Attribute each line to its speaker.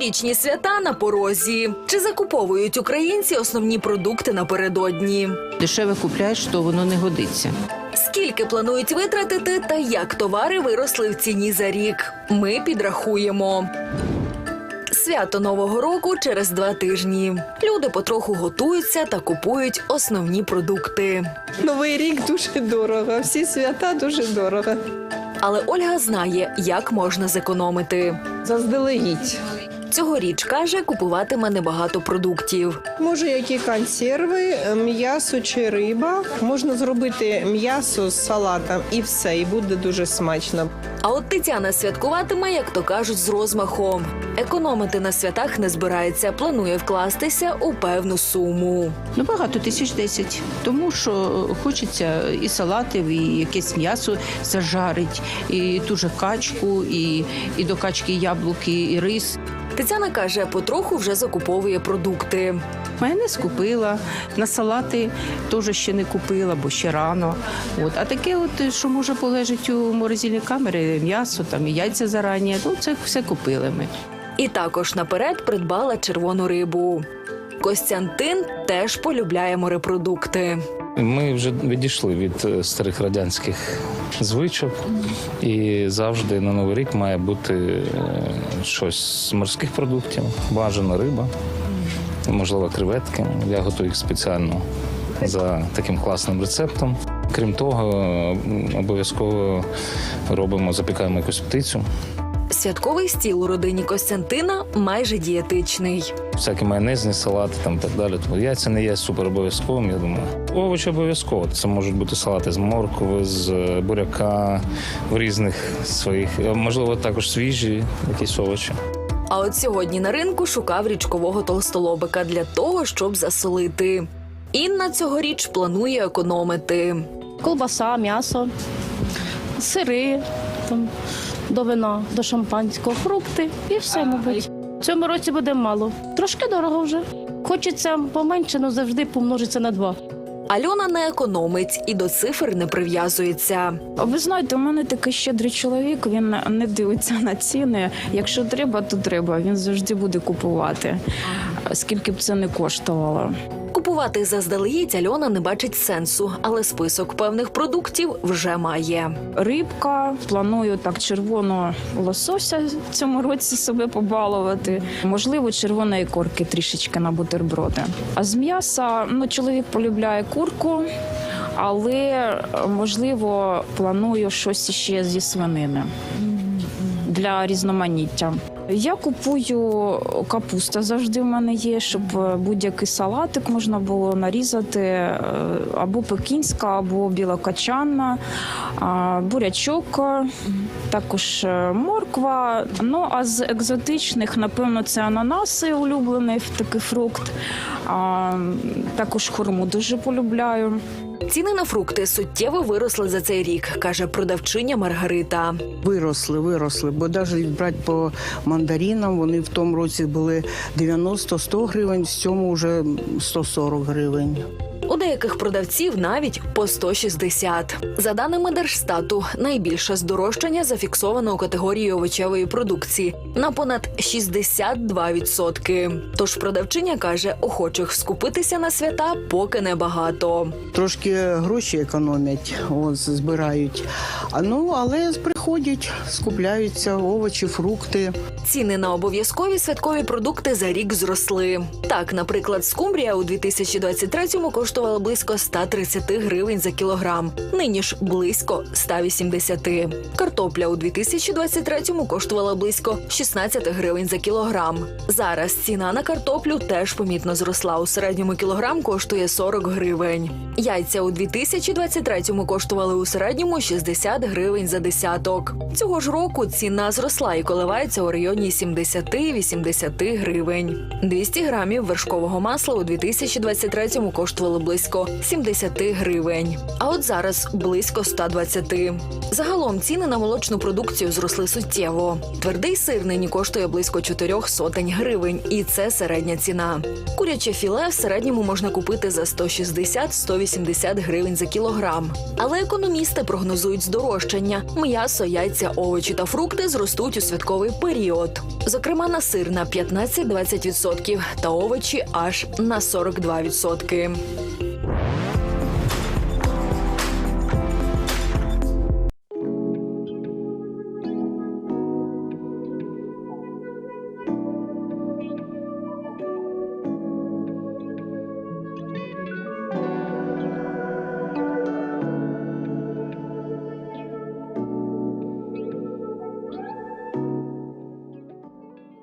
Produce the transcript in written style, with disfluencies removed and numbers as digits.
Speaker 1: Новорічні свята на порозі. Чи закуповують українці основні продукти напередодні?
Speaker 2: Дешеве купляєш, то воно не годиться.
Speaker 1: Скільки планують витратити та як товари виросли в ціні за рік? Ми підрахуємо. Свято Нового року через 2 тижні. Люди потроху готуються та купують основні продукти.
Speaker 3: Новий рік дуже дорого, всі свята дуже дорого.
Speaker 1: Але Ольга знає, як можна зекономити.
Speaker 3: Заздалегідь.
Speaker 1: Цьогоріч, каже, купуватиме небагато продуктів.
Speaker 3: Може, які консерви, м'ясо чи риба. Можна зробити м'ясо з салатом і все, і буде дуже смачно.
Speaker 1: А от Тетяна святкуватиме, як то кажуть, з розмахом. Економити на святах не збирається, планує вкластися у певну суму.
Speaker 2: Багато, 1010. Тому що хочеться і салатів, і якесь м'ясо зажарить, і ту же качку, і до качки яблуки, і рис.
Speaker 1: Тетяна каже, потроху вже закуповує продукти.
Speaker 2: Майонез купила, на салати теж ще не купила, бо ще рано. А таке, що може полежати у морозильній камері, м'ясо, там, і яйця зарані, це все купили ми.
Speaker 1: І також наперед придбала червону рибу. Костянтин теж полюбляє морепродукти.
Speaker 4: Ми вже відійшли від старих радянських звичок, і завжди на Новий рік має бути щось з морських продуктів, бажано риба, можливо, креветки. Я готую їх спеціально за таким класним рецептом. Крім того, обов'язково запікаємо якусь птицю.
Speaker 1: Святковий стіл у родині Костянтина майже дієтичний.
Speaker 4: Всякі майонезні салати там так далі. Яйця не є супер обов'язковим, я думаю. Овочі обов'язково. Це можуть бути салати з моркви, з буряка, в різних своїх, можливо, також свіжі якісь овочі.
Speaker 1: А от сьогодні на ринку шукав річкового толстолобика для того, щоб засолити. Інна цьогоріч планує економити.
Speaker 5: Колбаса, м'ясо, сири, до вина, до шампанського, фрукти і все, мабуть. В цьому році буде мало. Трошки дорого вже. Хочеться поменше, але завжди помножиться на 2.
Speaker 1: Альона не економить і до цифр не прив'язується.
Speaker 6: Ви знаєте, у мене такий щедрий чоловік, він не дивиться на ціни. Якщо треба, то треба. Він завжди буде купувати, скільки б це не коштувало.
Speaker 1: Купувати заздалегідь Альона не бачить сенсу, але список певних продуктів вже має.
Speaker 6: Рибка, планую червоного лосося в цьому році себе побалувати. Можливо, червоної корки трішечки на бутерброди. А з м'яса, чоловік полюбляє курку, але, можливо, планую щось ще зі свинини для різноманіття. Я купую капусту, завжди в мене є, щоб будь-який салатик можна було нарізати, або пекінська, або білокачанна, бурячок, також морква. А з екзотичних, напевно, це ананаси, улюблений такий фрукт, також хурму дуже полюбляю.
Speaker 1: Ціни на фрукти суттєво виросли за цей рік, каже продавчиня Маргарита.
Speaker 7: Виросли, бо навіть брати по мандаринам, вони в тому році були 90-100 гривень, в цьому вже 140 гривень.
Speaker 1: У деяких продавців навіть по 160. За даними Держстату, найбільше здорожчання зафіксовано у категорії овочевої продукції на понад 62%. Тож продавчиня каже, охочих скупитися на свята поки небагато.
Speaker 7: Трошки гроші економять, збирають. Але приходять, скупляються овочі, фрукти.
Speaker 1: Ціни на обов'язкові святкові продукти за рік зросли. Так, наприклад, скумбрія у 2023-му коштувала близько 130 гривень за кілограм. Нині ж близько 180. Картопля у 2023-му коштувала близько 16 гривень за кілограм. Зараз ціна на картоплю теж помітно зросла. У середньому кілограм коштує 40 гривень. Яйця у 2023-му коштували у середньому 60 гривень за десяток. Цього ж року ціна зросла і коливається у районі 70-80 гривень. 200 грамів вершкового масла у 2023-му коштувало близько 70 гривень. А от зараз близько 120. Загалом ціни на молочну продукцію зросли суттєво. Твердий сир нині коштує близько 400 гривень, і це середня ціна. Куряче філе в середньому можна купити за 160-180 гривень за кілограм. Але економісти прогнозують здорожчання. М'ясо м'ясо, яйця, овочі та фрукти зростуть у святковий період. Зокрема, на сир на 15-20% та овочі аж на 42%.